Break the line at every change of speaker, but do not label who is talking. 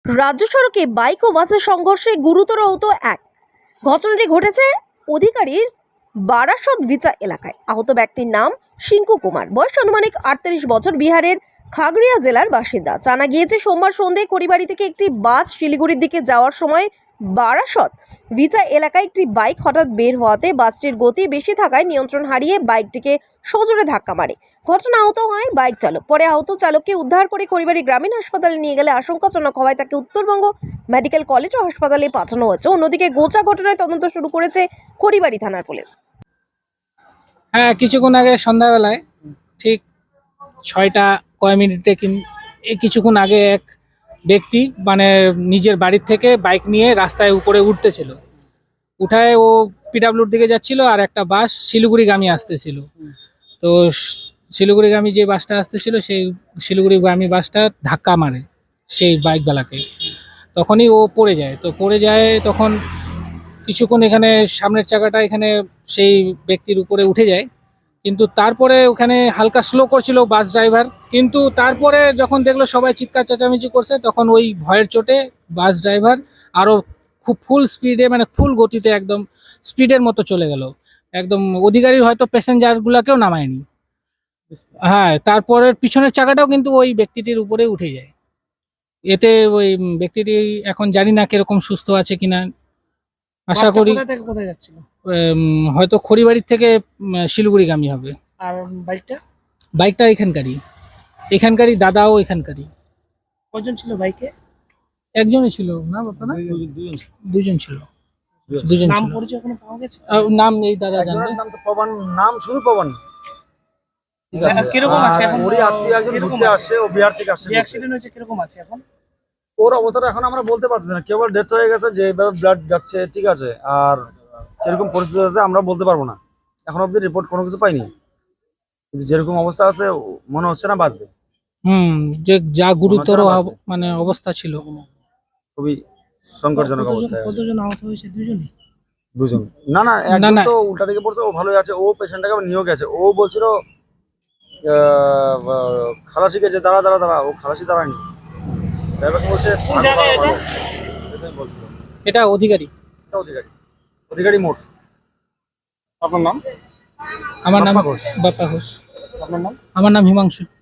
রাজ্য সড়কে বাইক ও বাসের সংঘর্ষে গুরুতর আহত এক। ঘটনাটি ঘটেছে অধিকারীর বারাসত ভিচা এলাকায়। আহত ব্যক্তির নাম শিঙ্কু কুমার, বয়স আনুমানিক 38 বছর, বিহারের খাগড়িয়া জেলার বাসিন্দা। জানা গিয়েছে সোমবার সন্ধ্যায় খড়িবাড়ি থেকে একটি বাস শিলিগুড়ির দিকে যাওয়ার সময় বারাসত ভিচা এলাকায় একটি বাইক হঠাৎ বের হওয়াতে বাসটির গতি বেশি থাকায় নিয়ন্ত্রণ হারিয়ে বাইকটিকে সজোরে ধাক্কা মারে। ঘটনা আহত হয় বাইক চালক। পরে আহত চালককে উদ্ধার করে খড়িবাড়ি গ্রামীণ হাসপাতালে নিয়ে গেলে আশঙ্কাজনক হওয়ায় তাকে উত্তরবঙ্গ মেডিকেল কলেজ ও হাসপাতালে পাঠানো হয়েছে। অন্যদিকে গোচা ঘটনায় তদন্ত শুরু করেছে খড়িবাড়ি থানার পুলিশ।
হ্যাঁ, কিছুক্ষণ আগে সন্ধ্যাবেলায় ঠিক 6টা কয় মিনিটে কিছুক্ষণ আগে এক ব্যক্তি নিজের বাড়ির থেকে বাইক নিয়ে রাস্তায় উপরে উঠতেছিল। উঠায় ও পিডাব্লিউর দিকে যাচ্ছিল, আর একটা বাস শিলিগুড়িগামী আসতেছিল। তো শিলিগুড়িগামী যে বাসটা আসতেছিল সেই শিলিগুড়িগামী বাসটা ধাক্কা মারে সেই বাইকওয়ালাকে। তখনই ও পড়ে যায়। তখন কিছুক্ষণ এখানে সামনের চাকাটা এখানে সেই ব্যক্তির উপরে উঠে যায়, কিন্তু তারপরে ওখানে হালকা স্লো করছিল বাস ড্রাইভার। কিন্তু তারপরে যখন দেখলো সবাই চিৎকার চেঁচামেচি করছে, তখন ওই ভয়ের চোটে বাস ড্রাইভার আরও খুব ফুল স্পিডে, ফুল গতিতে একদম স্পিডের মতো চলে গেল। একদম অধিকারীর হয়তো প্যাসেঞ্জারগুলোকেও নামায়নি। হ্যাঁ, তারপরের পিছনের চাকাটাও কিন্তু ওই ব্যক্তিটির উপরে উঠে যায়। এতে ওই ব্যক্তিটি এখন জানি না কিরকম সুস্থ আছে কিনা। আশা করি
কোথায় যাচ্ছিল?
হয়তো খড়িবাড়ির থেকে শিলিগুড়িগামী হবে।
আর
বাইকটা এখানকারই দাদাও এখানকারই।
কজন ছিল বাইকে?
একজনই ছিল না বাবা, না দুজন ছিল।
নাম পরিচয় এখনো পাওয়া গেছে?
নাম এই দাদা জানবে।
নাম তো পবন, নাম শুধু পবন। ঠিক আছে,
কিরকম আছে এখন?
ওরই আত্মীয় একজন ঘুরতে আসছে, ও বিহার থেকে আসছে।
যে অ্যাক্সিডেন্ট হয়েছে কিরকম আছে এখন?
ওর অবস্থাটা এখন আমরা বলতে পারতেছি না, কেবল ডেথ হয়ে গেছে, যেভাবে ব্লাড যাচ্ছে, ঠিক আছে, আর কিরকম পরিস্থিতি আছে আমরা বলতে পারবো না। এখন অব্দি রিপোর্ট কোনো কিছু পাইনি, কিন্তু যেরকম অবস্থা আছে মনে হচ্ছে না বাঁচবে।
যে যা গুরুতর অবস্থা ছিল,
খুবই সংকটজনক অবস্থা।
কতজন আহত হয়েছে?
দুজন। না, একজন তো উল্টা দিকে পড়ছে, ও ভালোই আছে। ও পেশেন্টটাকে নিয়েও গেছে। ও বলছিল খালাসিকে যে দাঁড়া, ও খালাসি দাঁড়ায়নি। ড্রাইভার বলছে
এটা
অধিকারী মোড়।
আপনার নাম?
আমার নাম
বাপ্পা ঘোষ।
বাপ্পা ঘোষ।
আপনার নাম?
আমার নাম হিমাংশু।